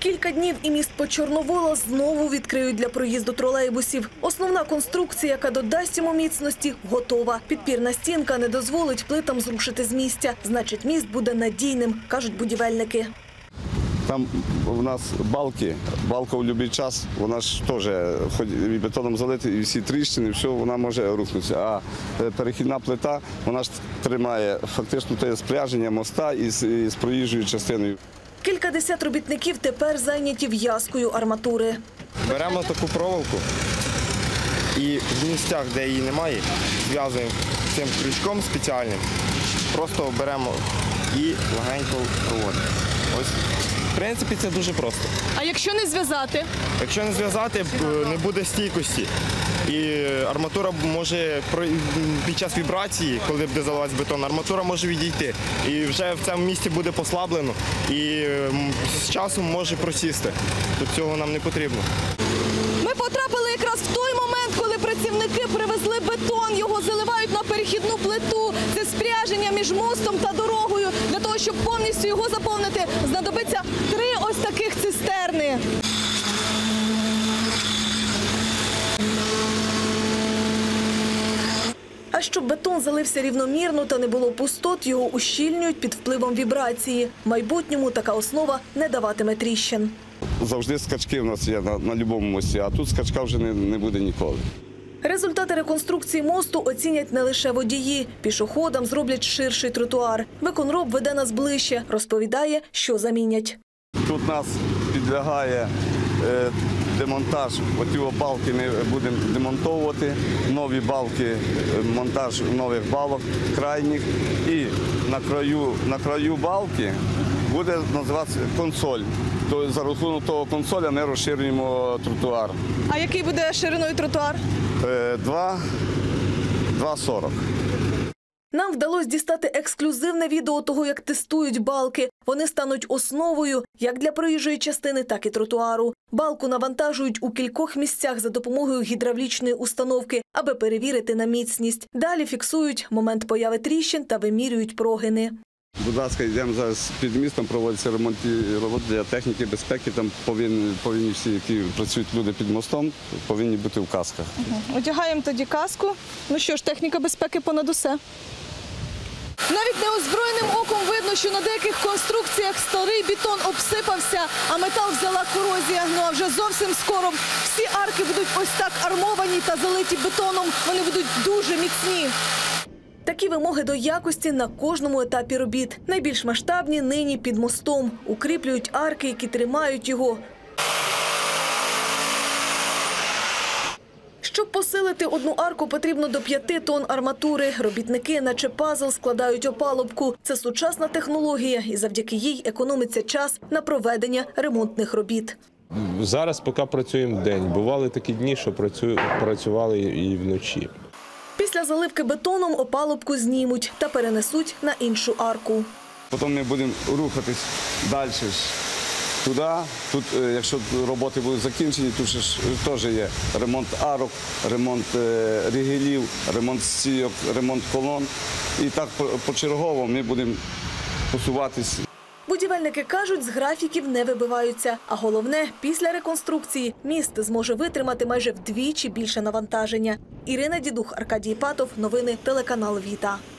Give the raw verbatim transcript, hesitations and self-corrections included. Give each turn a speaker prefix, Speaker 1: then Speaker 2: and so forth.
Speaker 1: Кілька днів і міст Почорновола знову відкриють для проїзду тролейбусів. Основна конструкція, яка додасть йому міцності, готова. Підпірна стінка не дозволить плитам зрушити з місця. Значить, міст буде надійним, кажуть будівельники.
Speaker 2: Там у нас балки, балка у будь-який час, вона ж теж хоч і бетоном залита, і всі тріщини, все, вона може рухнутися. А перехідна плита, вона ж тримає фактично те спряження моста із, із проїжджою частиною.
Speaker 1: Кількадесят робітників тепер зайняті в'язкою арматури.
Speaker 3: Беремо таку проволоку і в місцях, де її немає, зв'язуємо цим крючком спеціальним, просто беремо і легенько проводимо. Ось. В принципі, це дуже просто.
Speaker 1: А якщо не зв'язати?
Speaker 3: Якщо не зв'язати, не буде стійкості. І арматура може під час вібрації, коли буде заливатися бетон, арматура може відійти. І вже в цьому місці буде послаблено і з часом може просісти. Тут цього нам не потрібно.
Speaker 1: Ми потрапили якраз в той момент, коли працівники привезли бетон. Його заливають на перехідну плиту. Це спряження між мостом та дорогою. Для того, щоб повністю його заповнити, знадобиться три ось таких цистерни. А щоб бетон залився рівномірно та не було пустот, його ущільнюють під впливом вібрації. В майбутньому така основа не даватиме тріщин.
Speaker 2: Завжди скачки в нас є на, на будь-якому мості, а тут скачка вже не, не буде ніколи.
Speaker 1: Результати реконструкції мосту оцінять не лише водії. Пішоходам зроблять ширший тротуар. Виконроб веде нас ближче, розповідає, що замінять.
Speaker 2: Тут нас підлягає е, демонтаж. Оті балки ми будемо демонтовувати. Нові балки, монтаж нових балок, крайніх. І на краю, на краю балки буде називатися консоль. То за рахунок того консоля ми розширюємо тротуар.
Speaker 1: А який буде шириною тротуар?
Speaker 2: два сорок.
Speaker 1: Нам вдалося дістати ексклюзивне відео того, як тестують балки. Вони стануть основою як для проїжджої частини, так і тротуару. Балку навантажують у кількох місцях за допомогою гідравлічної установки, аби перевірити на міцність. Далі фіксують момент появи тріщин та вимірюють прогини.
Speaker 2: Будь ласка, йдемо зараз під містом, проводяться ремонтні роботи для техніки безпеки. Там повинні, повинні всі, які працюють люди під мостом, повинні бути в касках.
Speaker 1: Угу. Одягаємо тоді каску. Ну що ж, техніка безпеки понад усе. Навіть неозброєним оком видно, що на деяких конструкціях старий бетон обсипався, а метал взяла корозія. Ну а вже зовсім скоро всі арки будуть ось так армовані та залиті бетоном. Вони будуть дуже міцні. Такі вимоги до якості на кожному етапі робіт. Найбільш масштабні нині під мостом. Укріплюють арки, які тримають його. Щоб посилити одну арку, потрібно до п'яти тонн арматури. Робітники, наче пазл, складають опалубку. Це сучасна технологія, і завдяки їй економиться час на проведення ремонтних робіт.
Speaker 4: Зараз поки працюємо вдень. Бували такі дні, що працювали і вночі.
Speaker 1: Після заливки бетоном опалубку знімуть та перенесуть на іншу арку.
Speaker 2: Потім ми будемо рухатись далі туди. Тут, якщо роботи будуть закінчені, тут ж теж є ремонт арок, ремонт ригелів, ремонт стійок, ремонт колон. І так почергово ми будемо посуватись.
Speaker 1: Будівельники кажуть, з графіків не вибиваються. А головне, після реконструкції міст зможе витримати майже вдвічі більше навантаження. Ірина Дідух, Аркадій Патов. Новини телеканал Віта.